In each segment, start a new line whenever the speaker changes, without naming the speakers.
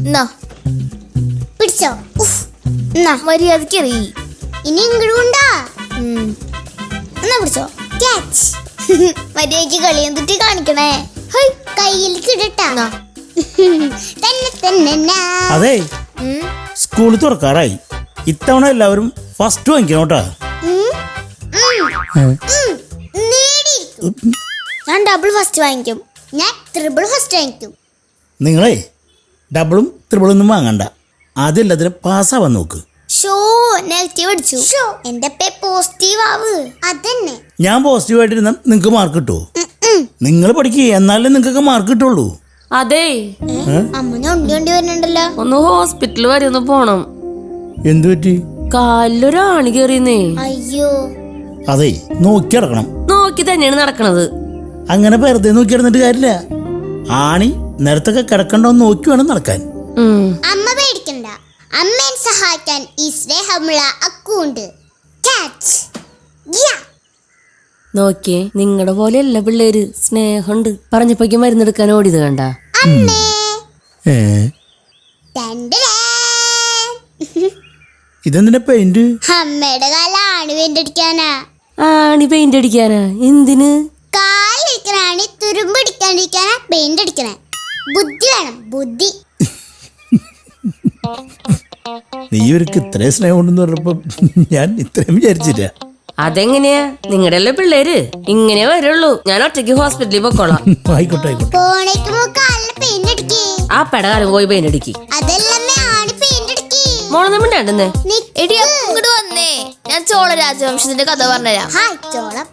എന്നാ
പിടിച്ചോ.
മര്യാദക്ക് എറി.
ഇനി ഇങ്ങോട്ടാ.
എന്നാ പിടിച്ചോ.
ക്യാച്ച്.
മര്യാദക്ക് കളി എന്തിട്ട് കാണിക്കണേ.
കയ്യിൽ കിടട്ടാ. തന്നെ
അതെ, സ്കൂൾ തുറക്കാറായി. ഇത്തവണ എല്ലാവരും ഫസ്റ്റ് വാങ്ങിക്കണം കേട്ടാ.
ഞാൻ ഡബിൾ ഫസ്റ്റ് വാങ്ങിക്കും.
ഞാൻ ട്രിപ്പിൾ ഫസ്റ്റ് വാങ്ങിക്കും.
നിങ്ങളെ ഡബിളും ത്രിബിളും ഒന്നും വാങ്ങണ്ട. ആദ്യം എല്ലാത്തിനും പാസ്സാവാൻ നോക്ക്.
ഷോ നെഗറ്റീവ് അടിച്ചു.
എന്റെ പോസിറ്റീവ് ആവ്. അതന്നെ.
ഞാൻ പോസിറ്റീവായിട്ടിരുന്ന നിങ്ങൾക്ക് മാർക്ക് കിട്ടുമോ? നിങ്ങൾ പഠിക്കുക, എന്നാലേ നിങ്ങൾക്കൊക്കെ മാർക്ക് കിട്ടുള്ളൂ.
അതെ,
അമ്മ ഞൊണ്ടി വരുന്നുണ്ടല്ലോ.
ഒന്ന് ഹോസ്പിറ്റൽ വരെ ഒന്ന് പോണം.
എന്തു പറ്റി?
കാലിലൊരാണി കയറിയെന്നേ.
അയ്യോ.
അതെ, നോക്കി നടക്കണം.
നോക്കി തന്നെയാണ് നടക്കണത്.
അങ്ങനെ വെറുതെ നോക്കി നടന്നിട്ട് കാര്യമില്ല. ആണി നിരത്തൊക്കെ കിടക്കണ്ടോന്ന് നോക്കി വേണം നടക്കാൻ.
അമ്മ പേടിക്കണ്ട. അമ്മയെ സഹായിക്കാൻ ഈ സ്നേഹമുള്ള അക്കുണ്ട്. ക്യാച്ച്.
നോക്കിയേ, നിങ്ങളുടെ പോലെ എല്ലാ പിള്ളേര് സ്നേഹമുണ്ട്. പറഞ്ഞപ്പോഴേക്ക് മരുന്നെടുക്കാൻ ഓടിയത് കണ്ട.
അമ്മേ.
ഏ, ഇതെന്തിനാ പെയിന്റ്?
അമ്മയുടെ കാലാണ് വേണ്ടടിക്കാനാ.
ആണി പെയിന്റ് അടിക്കാനാ? എന്തിന്?
കാലിരിക്കണാണി തുരുമ്പടിക്കാണ്ടിരിക്കാനാ പെയിന്റ് അടിക്കണേ. ബുദ്ധി വേണം, ബുദ്ധി.
നീ ഇവർക്ക് ഇത്രയും സ്നേഹം ഉണ്ടെന്ന് പറഞ്ഞപ്പോ ഞാൻ ഇത്രയും വിചാരിച്ചില്ല.
അതെങ്ങനെയാ? നിങ്ങളുടെ എല്ലാ പിള്ളേര് ഇങ്ങനെ വരുള്ളൂ. ഞാൻ ഒറ്റയ്ക്ക് ഹോസ്പിറ്റലിൽ പൊക്കോളാം.
ആയിക്കോട്ടെ ആയിക്കോട്ടെ.
പോണേക്ക് കാലിന് പെയിന്റ് അടിക്കേ.
ആ പെടകാലം പോയി പെയിന്റ് അടിക്കി.
അതല്ലമ്മേ, ആണി പെയിന്റ് അടിക്കേ.
മോളൊന്നും മിണ്ടാണ്ടെന്നേ.
എടി ഇങ്ങോട്ട് വന്നേ, ഞാൻ ചോള രാജവംശത്തിന്റെ കഥ പറഞ്ഞുതരാം.
ഹായ് ചോളം.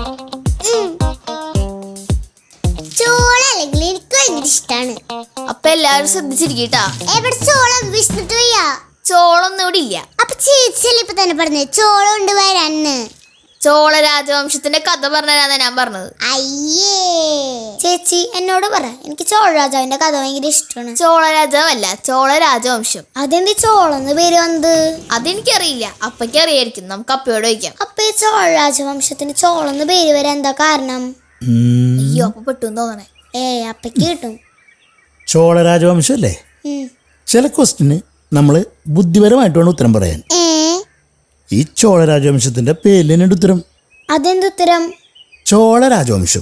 ചോള അല്ലെങ്കിൽ എനിക്ക് ഭയങ്കര ഇഷ്ടാണ്.
അപ്പൊ എല്ലാവരും ശ്രദ്ധിച്ചിരിക്കട്ടാ.
എവിടെ ചോളം? വിഷ്ണുട്ട് വയ്യ.
ചോളൊന്നും ഇവിടെ ഇല്ല.
അപ്പൊ ചേച്ചിയല്ലേ ഇപ്പൊ തന്നെ പറഞ്ഞേ ചോളം ഉണ്ട് വരാന്ന്.
ചോള രാജവംശത്തിന്റെ കഥ പറഞ്ഞുതരാന്നാ ഞാൻ പറഞ്ഞത്.
അയ്യേ.
ചേച്ചി എന്നോട് പറ, എനിക്ക് ചോള രാജാവിന്റെ കഥ ഭയങ്കര ഇഷ്ടമാണ്. ചോള രാജാവല്ല, ചോള രാജവംശം.
അതെന്ത് ചോളന്ന് പേര് വന്നത്?
അതെനിക്കറിയില്ല, അപ്പയ്ക്ക് അറിയായിരിക്കും. നമുക്ക് അപ്പയോട് ചോദിക്കാം.
അപ്പൊ ഈ ചോള രാജവംശത്തിന് ചോളന്ന് പേര് വരാൻ എന്താ കാരണം?
അയ്യോ, അപ്പൊ പെട്ടെന്ന് തോന്നണേ.
അപ്പയ്ക്ക് കിട്ടും.
ചോള രാജവംശം അല്ലേ? ചില ക്വസ്റ്റിന് നമ്മള് ബുദ്ധിപരമായിട്ട് വേണം ഉത്തരം പറയാൻ. ഈ ചോള രാജവംശത്തിന്റെ പേരിൽ ഉത്തരം.
അതെന്തുത്തരം?
ചോള രാജവംശം.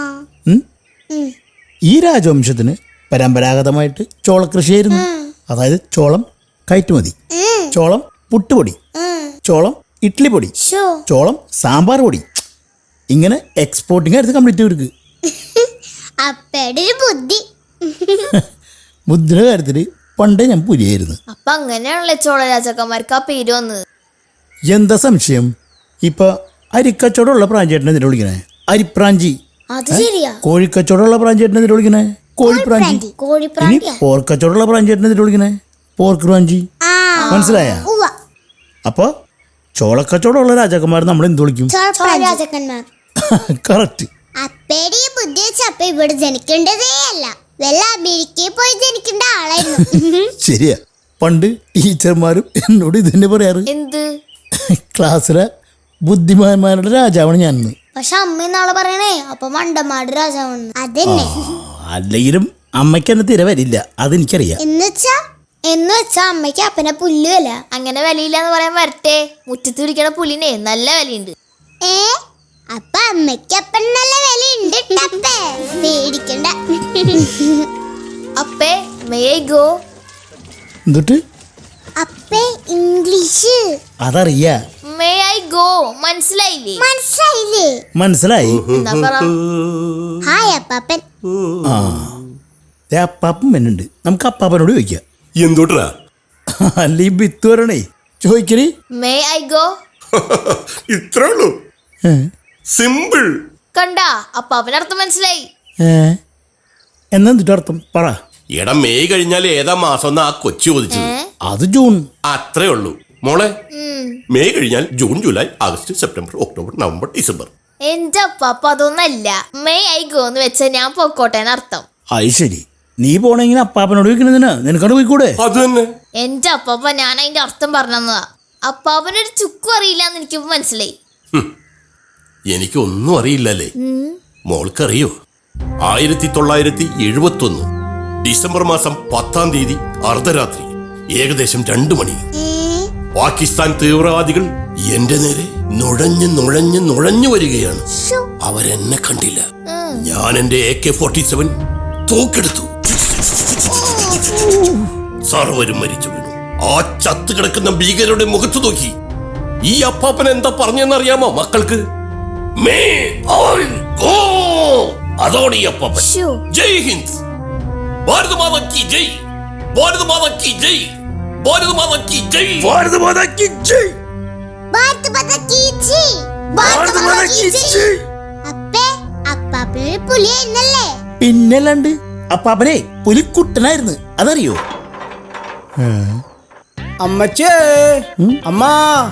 ഈ രാജവംശത്തിന് പരമ്പരാഗതമായിട്ട് ചോളകൃഷിയായിരുന്നു. അതായത് ചോളം കയറ്റുമതി, ചോളം പുട്ടുപൊടി, ചോളം ഇഡ്ഡലി പൊടി, ചോളം സാമ്പാർ പൊടി, ഇങ്ങനെ എക്സ്പോർട്ടിങ് ആയിരുന്നു കംപ്ലീറ്റ് ഇവർക്ക്.
അപ്പയുടെ ഒരു ബുദ്ധി.
ബുദ്ധിയുടെ കാര്യത്തില് പണ്ടേ ഞാൻ പുലിയായിരുന്നു.
അപ്പൊ അങ്ങനെയാണല്ലേ ചോള രാജാക്കന്മാർക്ക് ആ പേര് വന്നത്.
എന്താ സംശയം? ഇപ്പൊ അരിക്കച്ചവടമുള്ള പ്രാഞ്ചേട്ടനെ എന്തിനാ വിളിക്കണേ? അരിപ്രാഞ്ചി.
അത് ശരിയാ.
കോഴിക്കച്ചവടമുള്ള പ്രാഞ്ചേട്ടനെ എന്തിനാ വിളിക്കണേ? കോഴിപ്രാഞ്ചി. ഇനി പോർക്കച്ചവടമുള്ള പ്രാഞ്ചേട്ടനെ എന്തിനാ വിളിക്കണേ? പോർക്ക് പ്രാഞ്ചി. മനസ്സിലായ? അപ്പൊ ചോളക്കച്ചവടമുള്ള രാജാക്കന്മാർ നമ്മൾ എന്ത് വിളിക്കും?
രാജാക്കന്മാർ.
കറക്റ്റ്.
അപ്പയുടെ ഈ ബുദ്ധി വെച്ച് അപ്പ ഇവിടെ ജനിക്കേണ്ടതേ അല്ല, വല്ല അമേരിക്കയിൽ പോയി ജനിക്കേണ്ട ആളായിരുന്നു.
ശരിയാ. പണ്ട് ടീച്ചർമാരും എന്നോട് ഇത് തന്നെ പറയാറ്.
എന്ത്?
ക്ലാസ്സിലെ ബുദ്ധിമാന്മാരുടെ രാജാവാണ് ഞാൻ.
പക്ഷെ അമ്മ നാളെ പറയണേ അപ്പൊ മണ്ടന്മാരുടെ രാജാവാണ്.
അതന്നെ.
അല്ലെങ്കിലും അമ്മയ്ക്ക് എന്നെ തിര വരില്ല, അതെനിക്കറിയാം.
എന്ന് വെച്ചാ
അമ്മയ്ക്ക് അപ്പനെ പുല്ല് വില. അങ്ങനെ വിലയില്ല എന്ന് പറയാൻ വരട്ടെ. മുറ്റത്ത് പിടിക്കണ പുല്ലിനെ നല്ല വിലയുണ്ട്.
അപ്പൊ അമ്മയ്ക്ക് അപ്പൻ നല്ല വിലയുണ്ട്. പേടിക്കണ്ട.
അപ്പേ മേ ഐ ഗോ?
എന്നിട്ട്
അപ്പേ ഇംഗ്ലീഷ്
അതറിയാ.
മേ ഐ ഗോ മനസ്സിലായില്ലേ?
മനസ്സിലായി.
എന്താ പറ?
ഹായ് അപ്പാപ്പൻ.
അപ്പാപ്പൻ വരുന്നുണ്ട്, നമുക്ക് അപ്പാപ്പനോട് ചോദിക്കാം.
എന്തോട്ടാ?
അല്ല ഈ ബിത്ത് വരണേ ചോദിക്കണേ.
May I go?
ഇത്രേ ഉള്ളൂ, സിമ്പിൾ.
കണ്ടാ, അപ്പാപ്പന് അർത്ഥം മനസ്സിലായി.
എന്നിട്ട് അർത്ഥം പറ.
എടാ, മെയ് കഴിഞ്ഞാൽ ഏതാ മാസം ആ കൊച്ചു ചോദിച്ചത്?
അത് ജൂൺ.
അത്രേ ഉള്ളൂ മോളെ. മെയ് കഴിഞ്ഞാൽ June, July, August, September, October, November, December.
എന്റെ അപ്പാപ്പ അതൊന്നല്ല. മേ ഐ ഗോ എന്ന് വെച്ചാ ഞാൻ പൊക്കോട്ടെ അർത്ഥം.
അത് ശരി. നീ പോണെങ്കിൽ അപ്പാപ്പനോട് ചോദിക്കണതിനാ, നിനക്കോട് പോയിക്കൂടെ?
അത് തന്നെ.
എന്റെ അപ്പാപ്പ ഞാൻ അതിന്റെ അർത്ഥം പറഞ്ഞതാ. അപ്പാപ്പനൊരു ചുക്കും അറിയില്ല എന്ന് എനിക്ക് മനസ്സിലായി.
എനിക്കൊന്നും അറിയില്ലല്ലേ? മോൾക്കറിയോ? 1971 ഡിസംബർ മാസം 10-ാം തീയതി അർദ്ധരാത്രി ഏകദേശം 2 മണി. പാകിസ്ഥാൻ തീവ്രവാദികൾ എന്റെ നേരെ നുഴഞ്ഞു വരികയാണ്. അവരെന്നെ കണ്ടില്ല. ഞാൻ എന്റെ AK-47 തൂക്കെടുത്തു. സർവരും മരിച്ചു വീണു. ആ ചത്തു കിടക്കുന്ന ഭീകരരുടെ മുഖത്ത് നോക്കി ഈ അപ്പാപ്പൻ എന്താ പറഞ്ഞെന്നറിയാമോ മക്കൾക്ക്? May all go. അതോടെ ഈ അപ്പാപ്പൻ ജയ് ഹിന്ദ്, ഭാരത് മാതാ കി ജയ്, ഭാരത് മാതാ കി ജയ്, ഭാരത് മാതാ കി ജയ്, ഭാരത് മാതാ കി ജയ്,
ഭാരത് മാതാ കി ജയ്, ഭാരത് മാതാ കി ജയ്. അപ്പേ അപ്പാപ്പനൊരു പുലിയായിരുന്നല്ലേ?
പിന്നല്ലാണ്ട് അപ്പാപ്പനെ പുലിക്കുട്ടനായിരുന്നു, അതറിയോ?
അമ്മച്ചേ, അമ്മ.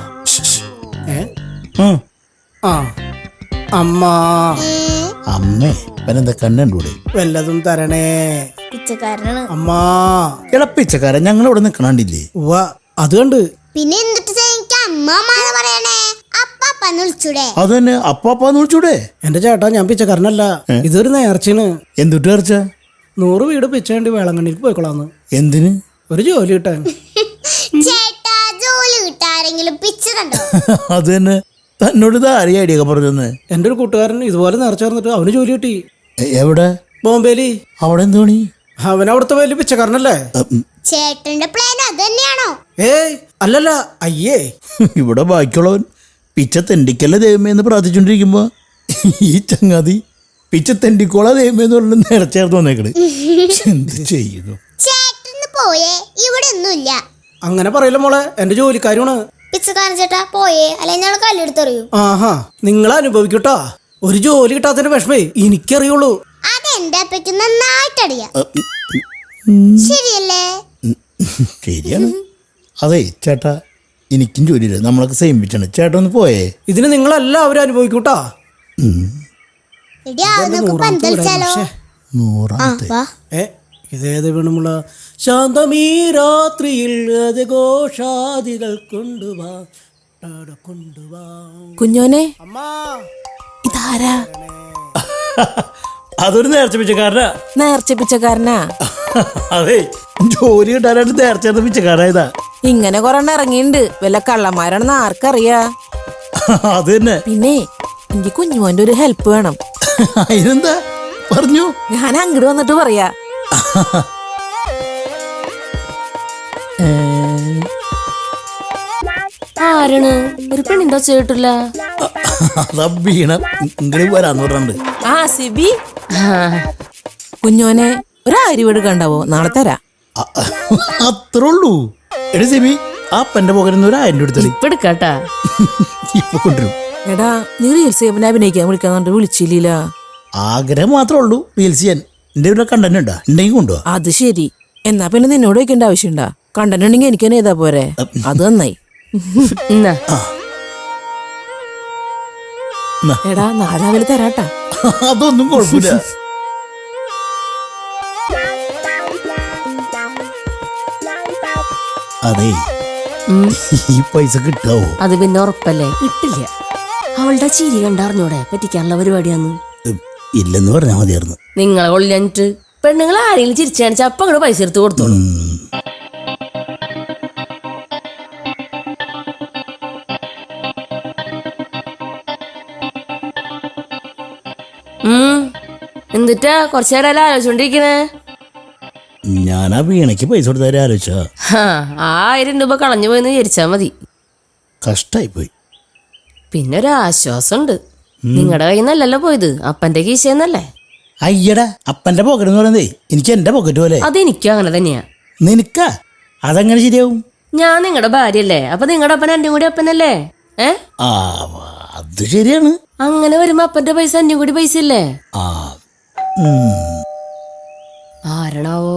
ആ അമ്മ.
അമ്മേ ഇവനെന്താ കണ്ണൂടെ?
വല്ലതും തരണേ
പിച്ചക്കാരനാണ്.
അമ്മ.
ഇളപ്പിച്ചക്കാരൻ ഞങ്ങളിവിടെ നിക്കണണ്ടില്ലേ?
ഉവ്വ, അത് കണ്ട്.
പിന്നെ എന്നിട്ട് എനിക്ക് അമ്മമാന്ന് പറയണേ? അപ്പാപ്പന്ന് വിളിച്ചൂടെ?
അത് തന്നെ അപ്പാപ്പാന്ന് വിളിച്ചൂടെ?
എന്റെ ചേട്ടാ, ഞാൻ പിച്ചക്കാരനല്ല, ഇതൊരു നേർച്ചയാണ്.
എന്തുട്ട് നേർച്ച?
100 വീട് പിച്ച വേണ്ടി വേളങ്കണ്ണിക്ക് പോയിക്കൊള്ളാന്ന്.
എന്തിന്?
ഒരു ജോലി കിട്ടാൻ.
ചേട്ടാ, ജോലി കിട്ടാരെങ്കിലും പിച്ചതുണ്ടോ?
അത് തന്നെ തന്നോട് ഇത് ആരെയും ഐഡിയ ഒക്കെ പറഞ്ഞെന്ന്.
എന്റെ ഒരു കൂട്ടുകാരൻ ഇതുപോലെ നേർച്ച ചേർന്നിട്ട് അവന് ജോലി കിട്ടി.
എവിടെ?
ബോംബേലി.
അവിടെ എന്ത് പണി?
അവൻ അവിടുത്തെ വലിയ പിച്ചക്കാരനല്ലേ?
ചേട്ടന്റെ പ്ലാൻ അത് തന്നെയാണോ?
ഏയ് അല്ലല്ല, അയ്യേ.
ഇവിടെ ബാക്കിയുള്ളവൻ പിച്ച തെണ്ടിക്കല്ല ദൈവമേ എന്ന് പ്രാർത്ഥിച്ചോണ്ടിരിക്കുമ്പോ ഈ ചങ്ങാതി പിച്ച തെണ്ടിക്കോളാ ദൈവമേ എന്ന് പറഞ്ഞ് നേർച്ചേർത്ത് വന്നേക്കണ്. എന്ത് ചെയ്യുന്നു?
ചേട്ടന് പോയേ, ഇവിടെ ഒന്നുമില്ല.
അങ്ങനെ പറയില്ല മോളെ, എന്റെ ജോലിക്കാരുമാണ്.
പിച്ചക്കാരൻ ചേട്ടാ പോയേ, അല്ലെങ്കിൽ ഞങ്ങൾ കല്ലെടുത്തെറിയും.
ആഹാ, നിങ്ങൾ അനുഭവിക്കട്ടാ. ഒരു ജോലി കിട്ടാത്തതിന്റെ വിഷമേ എനിക്കറിയുള്ളൂ.
അതെന്റെ അപ്പയ്ക്ക് നന്നായിട്ടറിയാം. ശരിയല്ലേ?
ശരിയാണ്. അതെ ചേട്ടാ, എനിക്കും ജോലിയില്ല, നമ്മളൊക്കെ സെയിം പിച്ചാണ്. ചേട്ടാ ഒന്ന് പോയേ.
ഇതിന് നിങ്ങളെല്ലാവരും അനുഭവിക്കൂട്ടാ.
എടി, നമുക്ക് പന്തലിച്ചാലോ?
100ാമത്തെ.
ഇതേത് വേണമുള്ള ശാന്തമീ രാത്രിയിൽ ഘോഷാദികൾ കൊണ്ടുവാ കൊണ്ടുവാ.
കുഞ്ഞോനെ,
അമ്മാ,
ഇതാരാ?
അതൊരു നേർച്ച പിച്ചക്കാരനാ.
നേർച്ച പിച്ചക്കാരനാ?
അതെ, ജോലി കിട്ടാനായിട്ട് നേർച്ച പിച്ചക്കാരായതാ.
ഇങ്ങനെ കൊറേ ഇറങ്ങിയിട്ടുണ്ട്. വല്ല കള്ളന്മാരാണെന്ന് ആർക്കറിയാ?
അത് തന്നെ.
പിന്നെ എനിക്ക് കുഞ്ഞുമോന്റെ ഒരു ഹെൽപ്പ് വേണം.
അതിനെന്താ പറഞ്ഞു?
ഞാൻ അങ്ങോട്ട് വന്നിട്ട് പറയാ. ആരാണ്? ഒരു പെണ്ണിന്റെ ചേട്ടില്ല.
അതാ വീണ ഇങ്ങോട്ട് വരാന്ന് പറഞ്ഞിട്ടുണ്ട്.
ആ സിബി. കുഞ്ഞോനെ ഒരു അരിവീട് കണ്ടാവോ? നാളെ തരാ.
അത്രേ ഉള്ളൂ. എടി സിബി, ആ പെന്റെ പോകരുന്ന 1000 എടുത്തടി.
ഇപ്പൊ എടുക്കാട്ടാ.
ഇപ്പൊ കൊണ്ടുവരും.
എടാ, നീ റീൽസ് അഭിനയിക്കാൻ വിളിക്കാന്നുണ്ട്, വിളിച്ചില്ല.
ആഗ്രഹം മാത്രമേ ഉള്ളൂ റീൽസ് ചെയ്യാൻ. എന്റെ ഇവിടെ കണ്ടന്റ് ഉണ്ടാ? ഉണ്ടെങ്കിൽ കൊണ്ടുപോവാ.
അത് ശരി. എന്നാ പിന്നെ നിന്നോട് വെക്കേണ്ട ആവശ്യണ്ടാ? കണ്ടന്റ് ഉണ്ടെങ്കിൽ എനിക്ക് തന്നെ ചെയ്താ പോരെ. അത് നന്നായി. എടാ, നാളെ തരാട്ടാ.
അതൊന്നും കുഴപ്പമില്ല. അതെ, ഈ പൈസ കിട്ടാവോ?
അത് പിന്നെ ഉറപ്പല്ലേ? കിട്ടില്ല. അവളുടെ ചിരി കണ്ടറിഞ്ഞൂടെ പറ്റിക്കാനുള്ള പരിപാടിയാന്ന്.
ഇല്ലെന്ന് പറഞ്ഞാൽ മതിയായിരുന്നു.
നിങ്ങളെ കൊള്ളിഞ്ഞിട്ട് പെണ്ണുങ്ങൾ ആരെങ്കിലും ചിരിച്ചു കാണിച്ചാ അപ്പൊ അങ്ങോട്ട് പൈസ എടുത്ത് കൊടുത്തോളൂ. എന്നിട്ടാ കുറച്ചു നേരം ആലോചിച്ചോണ്ടിരിക്കണേ?
ഞാൻ ആ വീണയ്ക്ക് പൈസ കൊടുത്താലും ആലോചിച്ച
1000 രൂപ കളഞ്ഞു പോയെന്ന് വിചാരിച്ചാ മതി.
കഷ്ടായി പോയി.
പിന്നെ ഒരു ആശ്വാസമുണ്ട്. നിങ്ങളുടെ കയ്യിൽ നിന്നല്ലല്ലോ പോയത്, അപ്പന്റെ കീശയെന്നല്ലേ.
അയ്യടാ, അപ്പന്റെ പോക്കറ്റ് എന്ന് പറയുന്നതേ എനിക്ക് എന്റെ പോക്കറ്റ് പോലെ.
അതെനിക്കും അങ്ങനെ തന്നെയാ.
നിനക്കാ? അതെങ്ങനെ ശരിയാവും?
ഞാൻ നിങ്ങളുടെ ഭാര്യയല്ലേ, അപ്പൊ നിങ്ങളുടെ അപ്പൻ എന്റെ കൂടി അപ്പനല്ലേ?
ആ, അത് ശരിയാണ്.
അങ്ങനെ വരുമ്പോ അപ്പന്റെ പൈസ എന്റെ കൂടി പൈസ ഇല്ലേ?
ആ,
ആരണാവോ?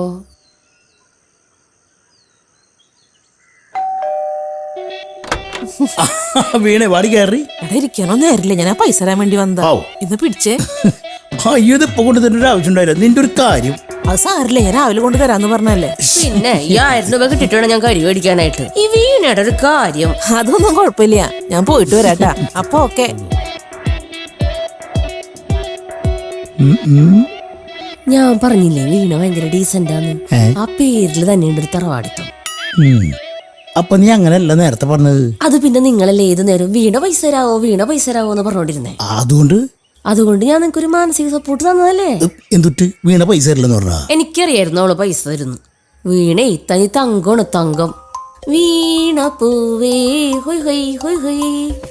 വീണേ വാടി കയറി.
എടാ, ഇരിക്കാനോ നേരില്ല, ഞാൻ ആ പൈസ തരാൻ വേണ്ടി വന്നതാ. ഇന്ന് പിടിച്ചേ.
അയ്യോ, ഇത് ഇപ്പൊ കൊണ്ട് തരേണ്ട ഒരു ആവശ്യം ഉണ്ടായില്ല. നിന്റെ ഒരു കാര്യം.
അത് സാറില്ല, ഞാൻ രാവിലെ കൊണ്ട് തരാന്ന് പറഞ്ഞല്ലേ. പിന്നെ ഈ 1000 രൂപ കിട്ടിട്ട് ഞാൻ കരി മേടിക്കാനായിട്ട്. ഈ വീണയുടെ ഒരു കാര്യം. അതൊന്നും കുഴപ്പമില്ല, ഞാൻ പോയിട്ട് വരാട്ടാ. അപ്പൊ ഓക്കെ. ഞാൻ പറഞ്ഞില്ലേ വീണ ഭയങ്കര ഡീസന്റാന്ന്.
ഏ?
ആ പേരിൽ തന്നെയുണ്ട് ഒരു തറവാടിത്തം.
അപ്പൊ നീ അങ്ങനെയല്ല നേരത്തെ പറഞ്ഞത്.
അത് പിന്നെ നിങ്ങളല്ലേ ഏത് നേരം വീണ പൈസ തരാവോ എന്ന് പറഞ്ഞോണ്ടിരുന്നേ. അതുകൊണ്ട് ഞാൻ നിനക്കൊരു മാനസിക സപ്പോർട്ട് തന്നതല്ലേ.
എന്തുട്ട് വീണ പൈസ തരില്ലെന്ന് പറഞ്ഞാ?
എനിക്കറിയായിരുന്നു അവള് പൈസ തരുന്നു. വീണേ തനി തങ്കമാണ് തങ്കം. വീണ പൂവേ ഹൊയ് ഹൊയ് ഹൊയ് ഹൊയ്.